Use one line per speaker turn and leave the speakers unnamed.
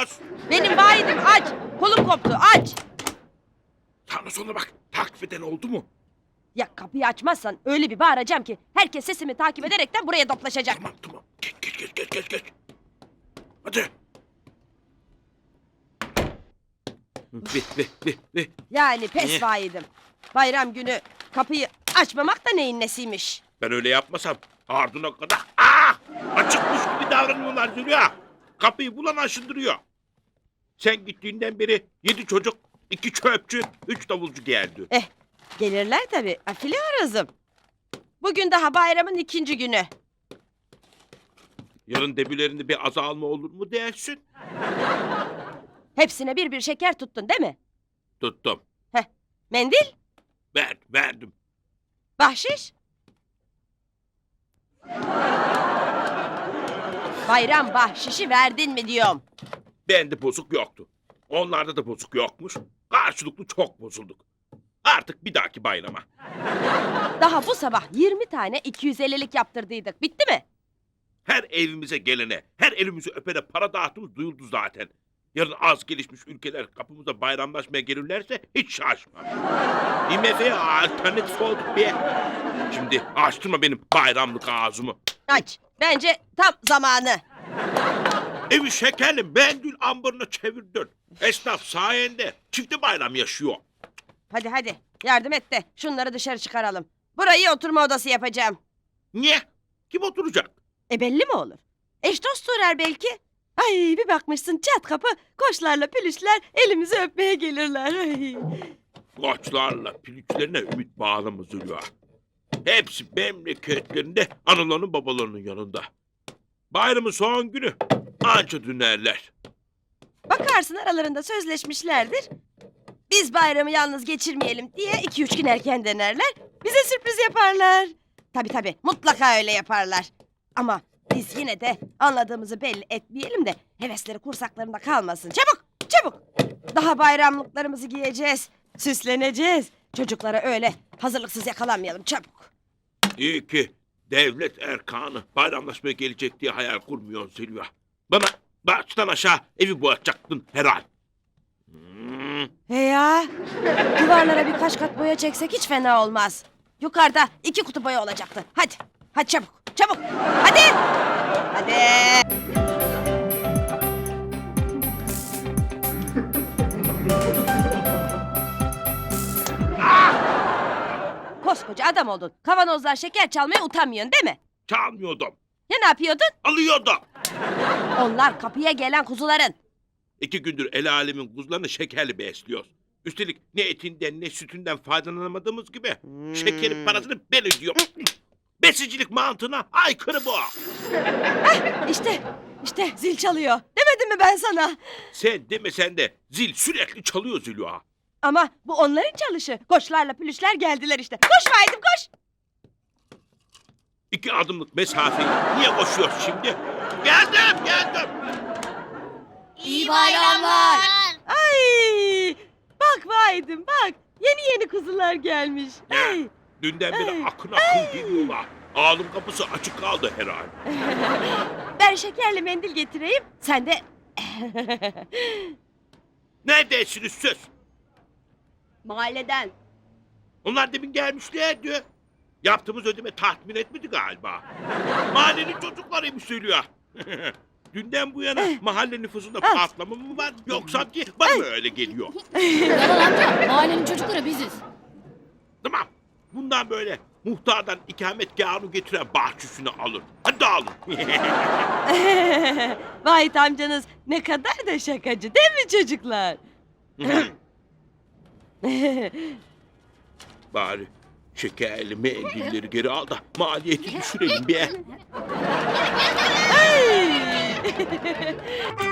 açıyoruz.
Benim vaidim aç. Kolum koptu aç.
Sana sonra bak. Takip eden oldu mu?
Ya kapıyı açmazsan öyle bir bağıracağım ki herkes sesimi takip ederekten buraya toplaşacak.
Tamam. Geç. Hadi. Ve.
Yani pes vaidim. Bayram günü kapıyı açmamak da neyin nesiymiş.
Ben öyle yapmasam ardına kadar açıkmış gibi davranıyorlar Zülya. Kapıyı bulan aşındırıyor. Sen gittiğinden beri 7 çocuk, 2 çöpçü, 3 davulcu geldi.
Gelirler tabii. Afili arızım. Bugün daha bayramın 2. günü.
Yarın debilerinde bir azalma olur mu dersin?
Hepsine bir şeker tuttun değil mi?
Tuttum.
Mendil,
Verdim.
bahşiş. Bayram bahşişi verdin mi diyorum.
Bende bozuk yoktu. Onlarda da bozuk yokmuş. Karşılıklı çok bozulduk. Artık bir dahaki bayrama.
Daha bu sabah 20 tane 250'lik yaptırdıydık. Bitti mi?
Her evimize gelene, her elimizi öpene para dağıttığımız duyuldu zaten. Yarın az gelişmiş ülkeler kapımıza bayramlaşmaya gelirlerse hiç şaşmam. IMF'ye alternatif olduk be. Şimdi açtırma benim bayramlık ağzımı.
Aç. Bence tam zamanı.
Evi şekerli mendil ambarına çevirdin. Esnaf sayende çifte bayram yaşıyor.
Hadi yardım et de şunları dışarı çıkaralım. Burayı oturma odası yapacağım.
Niye? Kim oturacak?
Belli mi olur? Eş dost uğrar belki. Ay bir bakmışsın çat kapı koçlarla pülüşler elimizi öpmeye gelirler. Ay.
Koçlarla piliçlerine ümit bağlama Zülya. Hepsi memleketlerinde analarının babalarının yanında. Bayramın son günü anca dönerler.
Bakarsın aralarında sözleşmişlerdir. Biz bayramı yalnız geçirmeyelim diye 2-3 gün erken dönerler. Bize sürpriz yaparlar. Tabii mutlaka öyle yaparlar. Ama biz yine de anladığımızı belli etmeyelim de hevesleri kursaklarında kalmasın. Çabuk! Daha bayramlıklarımızı giyeceğiz. Süsleneceğiz. Çocuklara öyle hazırlıksız yakalanmayalım çabuk.
İyi ki devlet erkanı bayramlaşmaya gelecek diye hayal kurmuyor Zülya. Bana baştan aşağı evi boyatacaktın herhal.
He ya. Duvarlara birkaç kat boya çeksek hiç fena olmaz. Yukarıda 2 kutu boya olacaktı. Hadi çabuk. Hadi. Koskoca adam oldun. Kavanozlar şeker çalmaya utanmıyorsun değil mi?
Çalmıyordum.
Ya ne yapıyordun?
Alıyordum.
Onlar kapıya gelen kuzuların.
2 gündür el alemin kuzularını şekerli besliyoruz. Üstelik ne etinden ne sütünden faydalanamadığımız gibi şekerin parasını ben ödüyorum. Besicilik mantığına aykırı bu.
İşte zil çalıyor. Demedim mi ben sana?
Sen demesen de zil sürekli çalıyor Zülya.
Ama bu onların çalışı. Koçlarla pülüşler geldiler işte. Koş Vahit'im koş.
2 adımlık mesafeyi niye koşuyoruz şimdi? Geldim.
İyi bayramlar.
Ay! Bak Vahit'im bak. Yeni kuzular gelmiş.
Ya,
Ay!
dünden beri
Ay.
akın geliyorlar. Ağlım kapısı açık kaldı herhalde.
Ben şekerli mendil getireyim. Sen de...
Neredesiniz siz?
Mahalleden.
Onlar demin gelmişlerdi. Yaptığımız ödeme tatmin etmedi galiba. Mahallenin çocuklarıymış söylüyor. Dünden bu yana mahalle nüfusunda patlama mı var yoksa ki bana mı öyle geliyor?
Yalan amca. Mahallenin çocukları biziz.
Tamam. Bundan böyle muhtardan ikametgâhını getiren bahçesini alın. Hadi dağılın.
Vahit amcanız ne kadar da şakacı değil mi çocuklar?
Bari şekerli mendilleri geri al da maliyeti düşürelim be.
Ay!